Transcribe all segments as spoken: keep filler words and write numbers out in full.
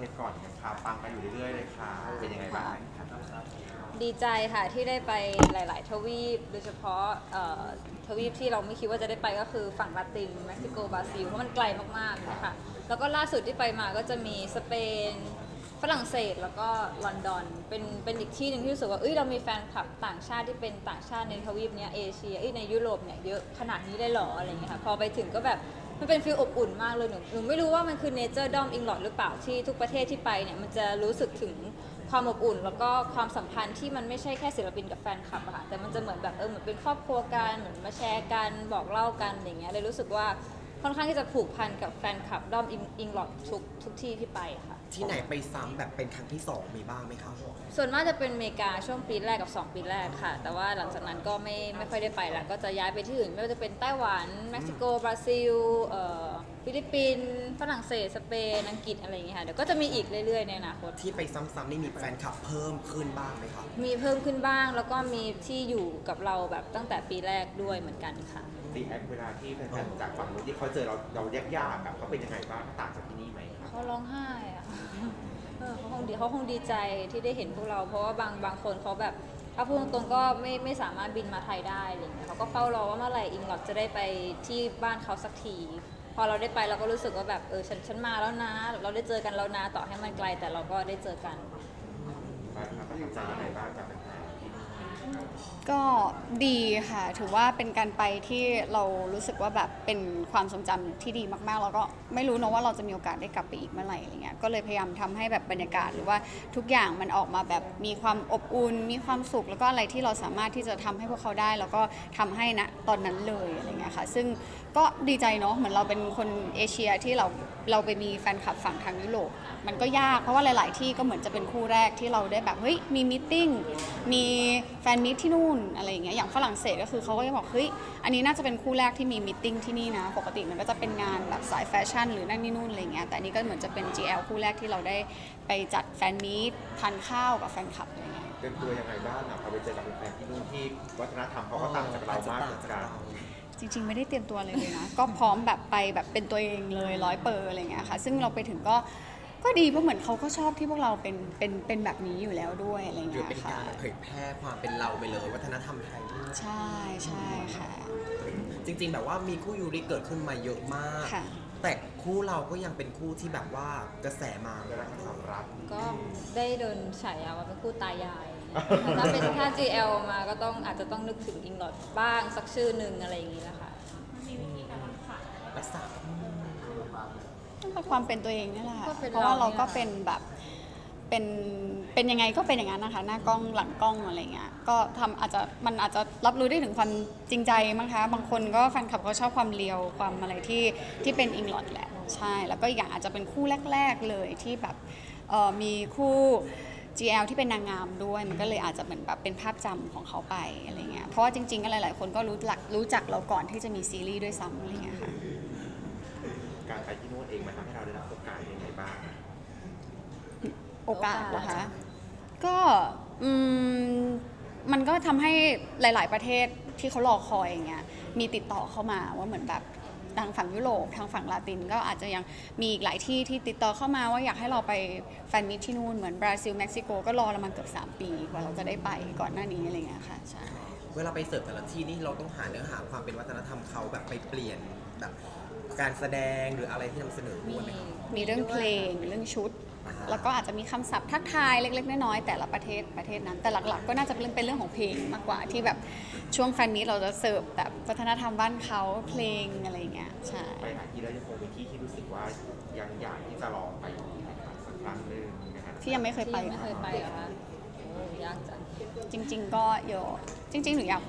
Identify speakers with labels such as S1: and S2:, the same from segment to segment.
S1: ชรก่อนกันค่ะปังกันอยู่เรื่อยๆเลยค่ะเป็นยังไงบ้างคะ
S2: ดีใจค่ะที่ได้ไปหลาย ๆ ทวีปโดยเฉพาะเอ่อทวีปที่เราไม่คิดว่าจะได้ไปก็คือฝั่งลาตินเม็กซิโกบราซิลเพราะมันไกลมากๆนะคะแล้วก็ล่าสุดที่ไปมาก็จะมีสเปนฝรั่งเศสแล้วก็ลอนดอนเป็นเป็นอีกที่หนึ่งที่รู้สึกว่าเอ้ยเรามีแฟนคลับต่างชาติที่เป็นต่างชาติในทวีปเนี้ยเอเชียเอ้ยในยุโรปเนี่ยเยอะขนาดนี้ได้หรออะไรเงี้ยค่ะพอไปถึงก็แบบมันเป็นฟีลอบอุ่นมากเลยหนูหนูไม่รู้ว่ามันคือเนเจอร์ดอมอิงลอดหรือเปล่าที่ทุกประเทศที่ไปเนี่ยมันจะรู้สึกถึงความอบอุ่นแล้วก็ความสัมพันธ์ที่มันไม่ใช่แค่ศิลปินกับแฟนคลับอะค่ะแต่มันจะเหมือนแบบเออเหมือนเป็นครอบครัวกันเหมือนมาแชร์กันบอกเล่ากันอย่างเงี้ยเลยรู้สึกว่าค่อนข้างที่จะผูกพันกับแฟนคลับด้อมอิงลอดทุกทุกที่ที่ไปค่ะ
S3: ที่ไหนไปซ้ำแบบเป็นครั้งที่สองมีบ้างไหมคะ
S2: ส่วนมากจะเป็นอเมริกาช่วงปีแรกกับสองปีแรกค่ะแต่ว่าหลังจากนั้นก็ไม่ไม่ค่อยได้ไปแล้วก็จะย้ายไปที่อื่นไม่ว่าจะเป็นไต้หวันเม็กซิโกบราซิลเอ่อฟิลิปปินส์ฝรั่งเศสสเปนอังกฤษอะไรอย่างเงี้ยค่ะเดี๋ยวก็จะมีอีกเรื่อยๆในอนาคต
S3: ที่ไปซ้ำๆนี่มีแฟนคลับเพิ่มขึ้นบ้างไหมคะ
S2: มีเพิ่มขึ้นบ้างแล้วก็มีที่อยู่กับเราแบบตั้งแต่ปีแรกด้วยเหมือนกันค่ะ
S1: รีแอคเวลาที่แฟนๆจากฝั่งนู้นที่เขาเจอเราเรายากๆอะเขาเป็นยังไงบ้างต่างจากที่นี่ไหมครับ
S2: เขาร้องไห้อะ เออเขาคงดีเขาคงดีใจที่ได้เห็นพวกเรา เพราะว่าบางบางคนเขาแบบถ้าพูดตรงๆก็ไม่ไม่สามารถบินมาไทยได้อะไรเงี้ยเขาก็เฝ้ารอว่าเมื่อไหร่อิงลอดจะได้ไปที่บ้านเขาสักที พอเราได้ไปเราก็รู้สึกว่าแบบเออฉันฉันมาแล้วนะ เราได้เจอกันแล้วนะต่อให้มันไกลแต่เราก็ได้เจอกัน
S1: บ้างครับประทับใจยังไงบ้างจากแฟนๆที่นี่
S4: ก็ดีค่ะถือว่าเป็นการไปที่เรารู้สึกว่าแบบเป็นความทรงจำที่ดีมากๆแล้วก็ไม่รู้นะว่าเราจะมีโอกาสได้กลับไปอีกเมื่อไหร่อะไรเงี้ยก็เลยพยายามทำให้แบบบรรยากาศหรือว่าทุกอย่างมันออกมาแบบมีความอบอุ่นมีความสุขแล้วก็อะไรที่เราสามารถที่จะทำให้พวกเขาได้แล้วก็ทำให้นะตอนนั้นเลยอะไรเงี้ยค่ะซึ่งก็ดีใจเนาะเหมือนเราเป็นคนเอเชียที่เราเราไปมีแฟนคลับฝั่งทางยุโรปมันก็ยากเพราะว่าหลาย ๆ ที่ก็เหมือนจะเป็นคู่แรกที่เราได้แบบเฮ้ยมีมีตติ้งมีแฟนมิตที่นู่นอะไรอย่างเงี้ยอย่างฝรั่งเศสก็คือเขาก็จะบอกเฮ้ยอันนี้น่าจะเป็นคู่แรกที่มีมีตติ้งที่นี่นะปกติมันก็จะเป็นงานแบบสายแฟชั่นหรือนั่นนี่นู่นอะไรเงี้ยแต่อันนี้ก็เหมือนจะเป็น จี แอล คู่แรกที่เราได้ไปจัดแฟนมีตทานข้าวกับแฟนคลับอะไรเงี้ย
S1: เตรียมตัวยังไงบ้างอะพอไปเจอกับแฟนๆที่นู่นที่วัฒนธรรมเขาก็ต่างจากเรามากเหมือนกัน
S4: จริงๆไม่ได้เตรียมตัวเลยเลยนะ ก็พร้อมแบบไปแบบเป็นตัวเองเลยร้อยเปอร์อะไรเงี้ยค่ะซึ่งเราไปถึงก็ก็ดีเพราะเหมือนเขาก็ชอบที่พวกเราเป็นเป็นเป็นแบบนี้อยู่แล้วด้วยอะไร
S3: หรือ
S4: เงี้ย
S3: เป็น
S4: ค่ะ
S3: การเผยแพร่ความเป็นเราไปเลยวัฒนธรรมไทย
S4: ใช่ใช่ค่ะ
S3: จริงๆแบบว่ามีคู่ยูริเกิดขึ้นมาเยอะมาก
S4: ค่ะ
S3: แต่คู่เราก็ยังเป็นคู่ที่แบบว่ากระแสมา
S1: เรื่องความรัก
S2: ก็ได้โดนฉายาว่าเป็นคู่ตายาย ถ้าเป็นถ้า จี แอล มาก็ต้องอาจจะต้องนึกถึงอิงลอดบ้างสักชื่อหนึ่งอะไรอย่างนี้แหละค่ะ
S3: รักษา
S4: ก็ความเป็นตัวเองนี่แหละค่ะ
S2: ก็เป็น
S4: เพราะว่า
S2: เรา
S4: เราก็
S2: เนี่ย
S4: เป็นแบบเป็นเป็นยังไงก็เป็นอย่างนั้นนะคะหน้ากล้องหลังกล้องอะไรเงี้ยก็ทำอาจจะมันอาจจะรับรู้ได้ถึงความจริงใจมั้งคะบางคนก็แฟนคลับเขาชอบความเลียวความอะไรที่ที่เป็นอิงลอดแหละใช่แล้วก็อีกอย่างอาจจะเป็นคู่แรก ๆเลยที่แบบเอ่อมีคู่ จี แอล ที่เป็นนางงามด้วยมันก็เลยอาจจะเหมือนแบบเป็นภาพจำของเขาไปอะไรเงี้ยเพราะว่าจริงๆก็หลายๆคนก็รู้จักรู้จักเราก่อนที่จะมีซีรีส์ด้วยซ้ำอะไรเงี้ยค่ะ
S1: การไปที่นู่นเองมันทำให้เราได้รับโอกาสยังไงบ้าง
S4: โอกาสเหรอคะ ก็อืมมันก็ทำให้หลาย ๆ ประเทศที่เขารอคอยอย่างเงี้ย มีติดต่อเข้ามาว่าเหมือนแบบทางฝั่งยุโรปทางฝั่งลาตินก็อาจจะยังมีอีกหลายที่ที่ติดต่อเข้ามาว่าอยากให้เราไปแฟนมิตที่นู่นเหมือนบราซิลเม็กซิโกก็รอเรามาเกือบสามปีกว่าเราจะได้ไปก่อนหน้านี้อะไรเงี้ยค่ะใช่
S3: เวลาไปเสิร์ฟแต่ละที่นี่เราต้องหาเนื้อหาความเป็นวัฒนธรรมเขาแบบไปเปลี่ยนแบบการแสดงหรืออะไรที่นำเสนอด้วยไหมคะ
S4: มีเรื่องเพลงเรื่องชุด
S3: อ่าฮะ
S4: แล้วก็อาจจะมีคำศัพท์ทักทายเล็ก ๆ น้อยๆแต่ละประเทศประเทศนั้น แต่หลัก ๆ ก็น่าจะเป็นเรื่องของเพลงมากกว่าที่แบบช่วงแฟนนี้เราจะเสิร์ฟแบบวัฒนธรรมบ้านเขาเพลงอะไรอย่างเงี้ยใช่
S1: ไปหาที่แล้วยังคงเป็นที่ที่รู้สึกว่ายังอยากที่จะลองไปอีกนะครับสักครั้งหนึ่งนะฮะ
S4: ที่ยังไม่เคยไป
S2: ที่ไม่เคยไปเหรอคะโอ้ยากจัง
S4: จริง ๆ ก็เยอะจริง ๆ หนูอยากไป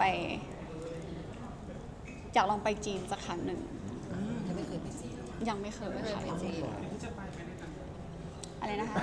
S4: อยากลองไปจีนสักครั้งหนึ่ง
S3: ยังไม่เคยไปจีน
S4: ยังไม่เคย
S2: ไม่เคย
S4: ค่ะ
S2: ไปจีน
S4: อะไรนะคะ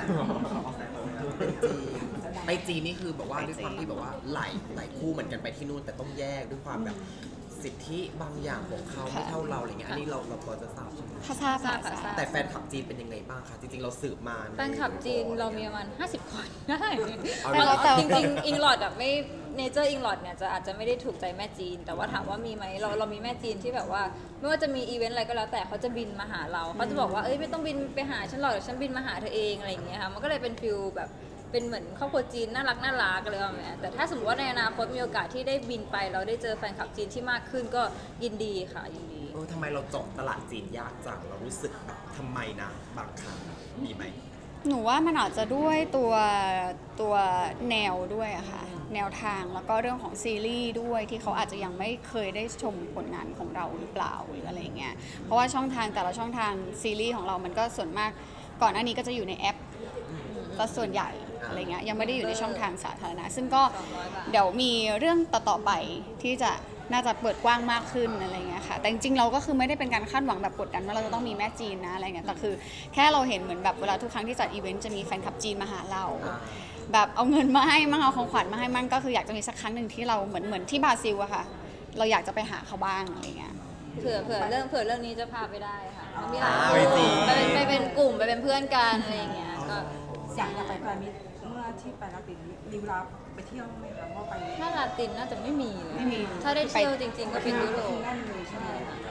S3: ไปจีนนี่คือแบบว่าด้วยความที่แบบว่าหลายหลายคู่เหมือนกันไปที่นู่นแต่ต้องแยกด้วยความแบบสิทธิบางอย่างของเขาไม่เท่าเราอะไรเงี้ยอันนี้เราเราพอจะทราบใช่ไหม
S4: ถ้าทราบค่ะ
S2: ทราบค่ะ
S4: ทราบ
S3: แต่แฟนคลับจีนเป็นยังไงบ้างคะจริงๆเราสืบมาใน
S2: แฟนคลับจีนเรามีประมาณห้าสิบคนได้
S3: เอา
S2: แต่
S3: เหรอ
S2: เราจริงๆอิงลอดแบบไม่เนเจอร์อิงลอดเนี่ยจะอาจจะไม่ได้ถูกใจแม่จีน แต่ว่าถามว่ามีไหมเราเรามีแม่จีนที่แบบว่าไม่ว่าจะมีอีเวนต์อะไรก็แล้วแต่เขาจะบินมาหาเราเขาจะบอกว่าเอ้ยไม่ต้องบินไปหาฉันหรอกเดี๋ยวฉันบินมาหาเธอเองอะไรอย่างเงี้ยค่ะมันก็เลยเป็นฟิลแบบเป็นเหมือนครอบครัวจีนน่ารักน่ารักอะไรแบบนี้แต่ถ้าสมมติว่าในอนาคตมีโอกาสที่ได้บินไปเราได้เจอแฟนคลับจีนที่มากขึ้นก็ยินดีค่ะยินดี
S3: เออทำไมเราเจาะตลาดจีนยากจังเรารู้สึกแบบทำไมนะบางครั้งมีไหม
S4: หนูว่ามันอาจจะด้วยตัวตัวแนวด้วยอะค่ะแนวทางแล้วก็เรื่องของซีรีส์ด้วยที่เขาอาจจะยังไม่เคยได้ชมผลงานของเราหรือเปล่าหรืออะไรเงี้ยเพราะว่าช่องทางแต่ละช่องทางซีรีส์ของเรามันก็ส่วนมากก่อนหน้านี้ก็จะอยู่ในแอปก็ส่วนใหญ่อะไรเงี้ยยังไม่ได้อยู่ในช่องทางสาธารณะซึ่งก็เดี๋ยวมีเรื่องต่อๆไปที่จะน่าจะเปิดกว้างมากขึ้นอะไรเงี้ยค่ะแต่จริงๆเราก็คือไม่ได้เป็นการคาดหวังแบบกดดันว่าเราจะต้องมีแม่จีนนะอะไรเงี้ยแต่คือแค่เราเห็นเหมือนแบบเวลาทุกครั้งที่จัดอีเวนต์จะมีแฟนคลับจีนมาหาเราแบบเอาเงินมาให้มั่งเอาของขวัญมาให้มั่งก็คืออยากจะมีสักครั้งหนึ่งที่เราเหมือนเหมือนที่บราซิลอะค่ะเราอยากจะไปหาเขาบ้างอะไรเงี้ย
S2: เผื่อเผื่อเรื่องเผื่อเรื่องนี้จะพาไปได้ค่ะมีหลาย
S3: อ่า
S2: คน
S3: ไปจริง
S2: ไปเป็นไปเป็นกลุ่มไปเป็นเพื่อนกันอะไรอย่างเงี้ยก็
S5: อยากอยากไปแฟนมิตรเมื่อที่ไปลาตินมีเวลาไปเที่ยวไหมคะว่าไป
S2: ถ้าลาตินน่าจะไม่มีเลย
S4: ไม่มี
S2: ถ้าได้เที่ยวจริง ๆ ก็เป็นยุโรป
S5: แน่นเลยใช่ไหม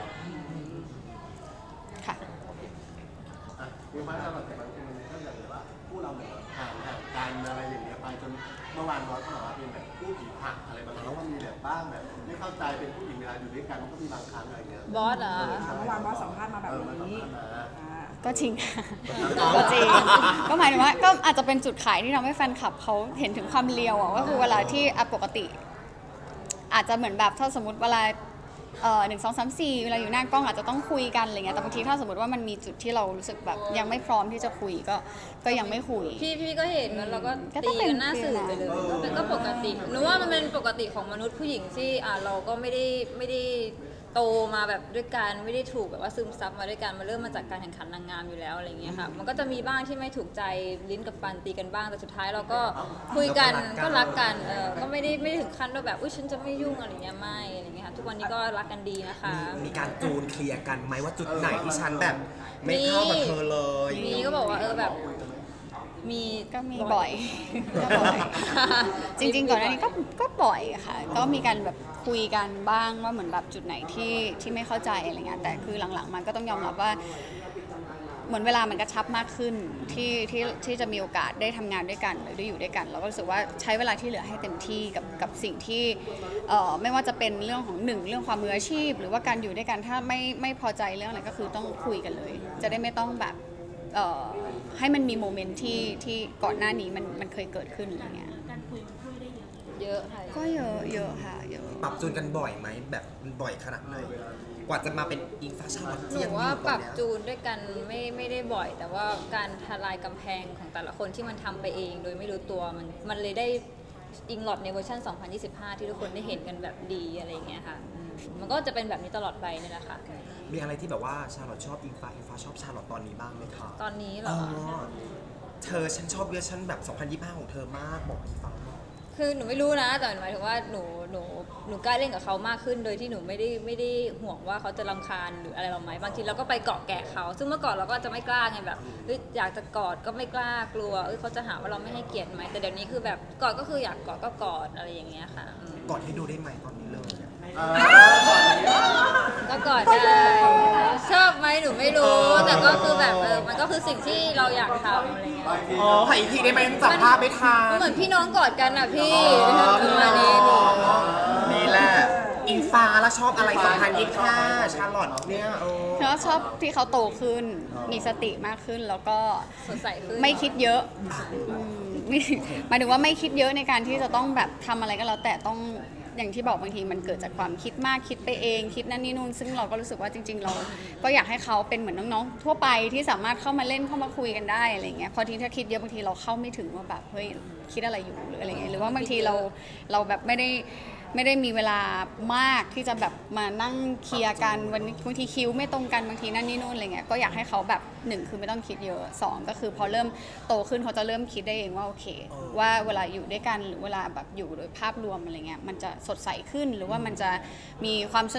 S4: ค่ะ
S6: อ่ะมีไหมเราแบบบางทีมันก็อย่างแบบว่าผู้เราเหมือนห่างห่างกันอะไรอย่างเงี้ยไปจนเมื่อวานน้อยก็บอกว่าเป็นแบบผู้ผีผักอะไรบางครั้งแล้วว่ามีแบบบ้างแบบไม่เข้าใจเป็นผู้หญิงเวลาอยู่ด้วยกันมันก็มีบางครั้งอะไรเงี้ย
S2: บอสเหรอ
S5: เมื่อวานบอสสัมภาษณ์มาแบบ
S6: เออมันสัม
S5: นี้
S6: ภาษณ์มา
S5: อ่า
S4: ก็จริงค่ะก็จริง ก็หมายถึงว่าก็อาจจะเป็นจุดขายที่ทำให้แฟนคลับเขาเห็นถึงความเลียวอ่ะก็คือเวลาที่อ่ะปกติ อาจจะเหมือนแบบถ้าสมมติเวลาเอ่อหนึ่งสองสามสี่เวลาอยู่หน้ากล้องอาจจะต้องคุยกันอะไรเงี้ยแต่บางทีถ้าสมมติว่ามันมีจุดที่เรารู้สึกแบบยังไม่พร้อมที่จะคุยก็ก็ยังไม่คุย
S2: พี่พี่ก็เห็นแล้วเราก็
S4: ก็ต้
S2: ตี
S4: องเป็น
S2: กันหน้าสื่อไปเลยก็เป็นก็ปกติหนูว่ามันเป็นปกติของมนุษย์ผู้หญิงที่อ่าเราก็ไม่ได้ไม่ได้โตมาแบบด้วยกันไม่ได้ถูกแบบว่าซึมซับมาด้วยกันมาเริ่มมาจากการแข่งขันนางงามอยู่แล้วอะไรเงี้ยค่ะมันก็จะมีบ้างที่ไม่ถูกใจลิ้นกับฟันตีกันบ้างแต่สุดท้ายเราก็คุยกันก็รักกันเออก็ไม่ได้ไม่ได้ถึงขั้นว่าแบบอุ้ยฉันจะไม่ยุ่งอะไรเงี้ยไม่อะไรเงี้ยค่ะทุกวันนี้ก็รักกันดีนะคะ
S3: มีการจูนเคลียร์กันไหมว่าจุดไหนที่ฉันแบบ ไม่เข้ากับเธอเลย
S2: มีก็บอกว่าเออแบบมี
S4: ก็มีบ่อย ก็บ่อย จริงๆก่อนหน้านี้ก็ก็บ่อยค่ะ ก็มีการแบบคุยกันบ้างว่าเหมือนแบบจุดไหนที่ที่ไม่เข้าใจอะไรเงี้ยแต่คือหลังๆมันก็ต้องยอมรับว่า เหมือนเวลามันกระชับมากขึ้นที่ที่ที่จะมีโอกาสได้ทำงานด้วยกันหรือได้อยู่ด้วยกันเราก็รู้สึกว่าใช้เวลาที่เหลือให้เต็มที่กับกับสิ่งที่เอ่อไม่ว่าจะเป็นเรื่องของหนึ่งเรื่องความมืออาชีพ หรือว่าการอยู่ด้วยกันถ้าไม่ไม่พอใจเรื่องอะไรก็คือต้องคุยกันเลย จะได้ไม่ต้องแบบเอ่อให้มันมีโมเมนต์ที่ที่ก่อนหน้านี้มันมันเคยเกิดขึ้นอะไรเงี้ย
S2: เยอะค่ะ
S4: ก็เยอะเยอะค่ะเยอะ
S3: ปรับจูนกันบ่อยไหมแบบบ่อยขนาดไหนกว่าจะมาเป็นอิงฟ้าชาลอต
S2: ห
S3: ที่
S2: นู
S3: ยังมี
S2: ว่า
S3: อยู่
S2: ป
S3: ตอ
S2: รั
S3: น
S2: บ
S3: เนี้ย
S2: จูนด้วยกันไม่ไม่ได้บ่อย แต่ว่าการทลายกำแพงของแต่ละคนที่มันทำไปเอง โดยไม่รู้ตัวมันมันเลยได้อิงลอดในเวอร์ชันสองพันยี่สิบห้า ที่ทุกคนได้เห็นกันแบบดีอะไรอย่างเงี้ยค่ะอืมมันก็จะเป็นแบบนี้ตลอดไปนี่แหละค่ะ
S3: มีอะไรที่แบบว่าชาลอตชอบอิงฟ้าอิงฟ้าชอบชาลอตตอนนี้บ้างไหมคะ
S2: ตอนนี้เหร
S3: อ๋
S2: อ
S3: อเธอฉันชอบเวอร์ชันแบบสองพันยี่สิบห้าของเธอมากบอกอิงฟ้าหน่อย
S2: คือหนูไม่รู้นะแต่หมายถึงว่าหนูหนูหนูกล้าเล่นกับเขามากขึ้น โดยที่หนูไม่ได้ไม่ได้ห่วงว่าเขาจะรำคาญหรืออะไรเราไหมบางทีเราก็ไปเกาะแกะเขา ซึ่งเมื่อก่อนเราก็จะไม่กล้าไงแบบเฮ้ยอยากจะกอดก็ไม่กล้ากลัวเอ้ยเขาจะหาว่าเราไม่ให้เกียรติไหมแต่เดี๋ยวนี้คือแบบกอดก็คืออยากกอดก็กอดอะไรอย่างเงี้ยค่ะอืม
S3: กอดให้ดูได้ไหมตอนนี้เลย
S6: เออก่อนนี้
S2: ก็กอดได้ชอบไหมหนูไม่รู้ แต่ก็คือแบบเออมันก็คือสิ่งที่เราอยากทำอะไรเงี้ย
S3: อ๋อขออีกทีได้ไหมจับภาพไม่ทัน
S2: มันเหมือนพี่น้องกอดกันอ่ะพี่ประมาณนี้
S3: นี่แหละอิงฟ้าแล้วชอบอะไรสองพันยี่สิบห้าชาลอตเนี่ยโอ้
S4: แล้วชอบที่เขาโตขึ้น มีสติมากขึ้นแล้วก็
S2: สดใสขึ้น
S4: ไม่คิดเยอะอืมไม่หมายถึงว่าไม่คิดเยอะในการที่จะต้องแบบทำอะไรก็แล้วแต่ต้องอย่างที่บอกบางทีมันเกิดจากความคิดมากคิดไปเองคิดนั่นนี่นู่นซึ่งเราก็รู้สึกว่าจริง ๆ เราก็อยากให้เขาเป็นเหมือนน้องๆทั่วไปที่สามารถเข้ามาเล่นเข้ามาคุยกันได้อะไรเงี้ยพอทีถ้าคิดเยอะบางทีเราเข้าไม่ถึงว่าแบบเฮ้ยคิดอะไรอยู่หรืออะไรเงี้ยหรือว่าบางทีเราเราแบบไม่ได้ไม่ได้มีเวลามากที่จะแบบมานั่งเคลียร์กันวันนี้บางทีคิวไม่ตรงกันบางทีนั่นนี่นู่นอะไรเงี้ยก็อยากให้เขาแบบหนึ่งคือไม่ต้องคิดเยอะสองก็คือพอเริ่มโตขึ้นเขาจะเริ่มคิดได้เองว่าโอเค ว่าเวลาอยู่ด้วยกันหรือเวลาแบบอยู่โดยภาพรวมอะไรเงี้ยมันจะสดใสขึ้นหรือว่ามันจะมีความสนุก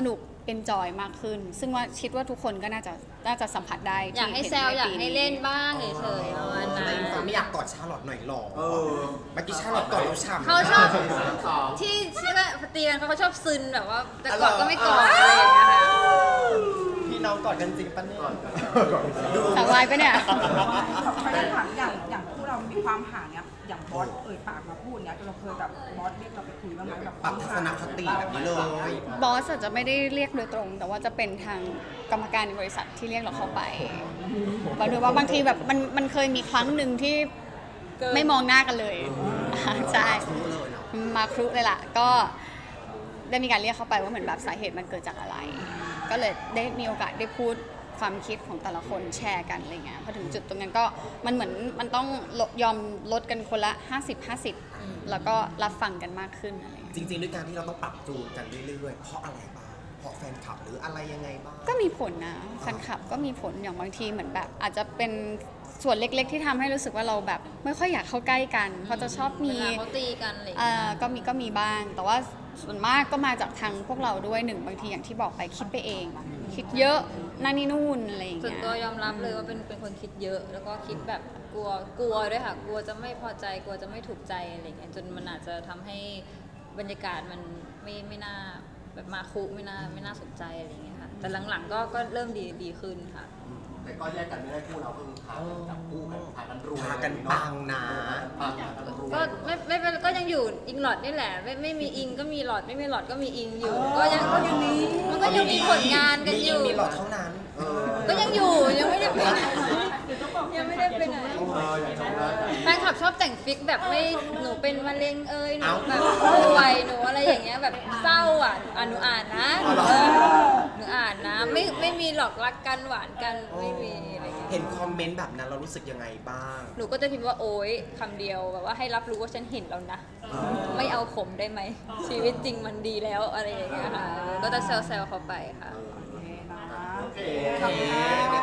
S4: enjoy มากขึ้น ซึ่งว่าคิดว่าทุกคนก็น่าจะน่าจะสัมผัสได้
S2: อยากให้
S4: ที่
S2: แซว
S4: น
S2: อยาก
S4: ปี
S2: ให้เล่นบ้างเฉยๆประมาณ
S3: แต่
S2: นั้น
S3: อิงฟ้าไม่อยากกอดชาลอตหน่อยหรอ
S6: เออ
S3: เมื่อกี้ชาลอตกอดเราฉ่ำ
S2: เขาชอบ
S6: สอง
S2: ที่ที่ว่าตีกันเขาชอบซึนแบบว่าแต่กอดก็ไม่กอดอะไรอย่างเงี้ยค่ะ
S3: พี่น้องกอดกันจริงปะเนี่ย
S4: สาววายปะเนี่ย
S5: เขาได้ถามอย่างอย่างคู่เรามีความห่างเนี้ยอย่างบอสเอ่ยปากมาพูดเนี้ยเราเคยแบบบอสเรียกเราไปคุยบ้างไหมแบบ
S3: ปรับทัศนคติแบบนี้เลย
S4: บอสอาจจะไม่ได้เรียกโดยตรง แต่ว่าจะเป็นทางกรรมการในบริษัทที่เรียกเราเข้าไปบางทีว่าบางทีแบบมันมันเคยมีครั้งหนึ่งที่
S2: เกิน
S4: ไม่มองหน้ากันเลยอ่าใช่
S3: รู้เลยเนาะ
S4: มาครุเลยล่ะ ก็ได้มีการเรียกเขาไปว่าเหมือนแบบสาเหตุมันเกิดจากอะไร ก็เลยได้มีโอกาสได้พูดความคิดของแต่ละคนแชร์กันอะไรเงี้ยพอถึงจุดตรงนั้นก็มันเหมือนมันต้องลดยอมลดกันคนละ ห้าสิบ ห้าสิบ แล้วก็รับฟังกันมากขึ้นอะไรเงี้ย
S3: จริงๆด้วยการที่เราต้องปรับจูนกันเรื่อยๆ เพราะอะไรบ้าง เพราะแฟนคลับหรืออะไรยังไงบ้าง
S4: ก็มีผลนะแฟนคลับก็มีผลอย่างบางทีเหมือนแบบ อาจจะเป็นส่วนเล็กๆ ที่ทำให้รู้สึกว่าเราแบบไม่ค่อยอยากเข้าใกล้กัน เพราะจะชอบมี
S2: เวลาเขาตีกันอะไรอย่าง
S4: เอ่
S2: เงี้
S4: อย ก็มีก็มีบ้าง แต่ว่าส่วนมากก็มาจากทางพวกเราด้วยหนึ่งบางทีอย่างที่บอกไปคิดไปเอง คิดเยอะนั่นนี่นู่นอะไรอย่าง
S2: ส่วน
S4: เงี้ย
S2: ตัวยอมรับเลยว่าเป็นเป็นคนคิดเยอะ แล้วก็คิดแบบกลัวกลัวด้วยค่ะ กลัวจะไม่พอใจกลัวจะไม่ถูกใจอะไรเงี้ยจนมันอาจจะทำให้บรรยากาศมันไม่ไม่น่าแบบมาคุไม่น่าไม่น่าสนใจอะไรเงี้ยค่ะแต่หลังๆก็ก็เริ่มดีดีขึ้นค่ะ
S6: แต่ก็แยกกันไม่ได้คู่เราก็คือพากันจับคู่กันพากันรวย
S3: พากันปังนะ
S6: พากันรวย
S2: ก็ไม่ไม่เป็นก็ยังอยู่อิงหลอดนี่แหละ ไม่ไม่มีอิงก็มีหลอดไม่มีหลอดก็มีอิงอยู่ ก็ยังก็ยังมีมันก็ยังมีผลงานกันอยู่
S3: มีหลอดเท่านั้น
S6: เออ
S2: ก็ยังอยู่ยังไม่ได้ไปไหนยังไม่ได้ไปไหน
S6: เอออย่างนั้นนะ
S2: แฟนคลับชอบแต่งฟิกแบบไม่หนูเป็นมะเร็งเอ้ยหนู
S3: เอ้า
S2: แบบป่วยหนูอะไรอย่างเงี้ยแบบเศร้าอ่ะอ่ะหนูอ่านนะ
S3: อ๋อเหรอ
S2: เออหนูอ่านนะไม่ไม่มีหรอกรักกันหวานกันไม่มีอะไรอย่างเงี้ย
S3: เห็นคอมเมนต์แบบนั้นเรารู้สึกยังไงบ้าง
S2: หนูก็จะพิมพ์ว่าโอ๊ยคำเดียวแบบว่าให้รับรู้ว่าฉันเห็นแล้วนะ ไม่เอาขมได้ไหม ชีวิตจริงมันดีแล้วอะไรอย่างเงี้ยค่ะ ก็จะแซวๆเขาไปค่ะ
S6: โอเค
S3: โอเค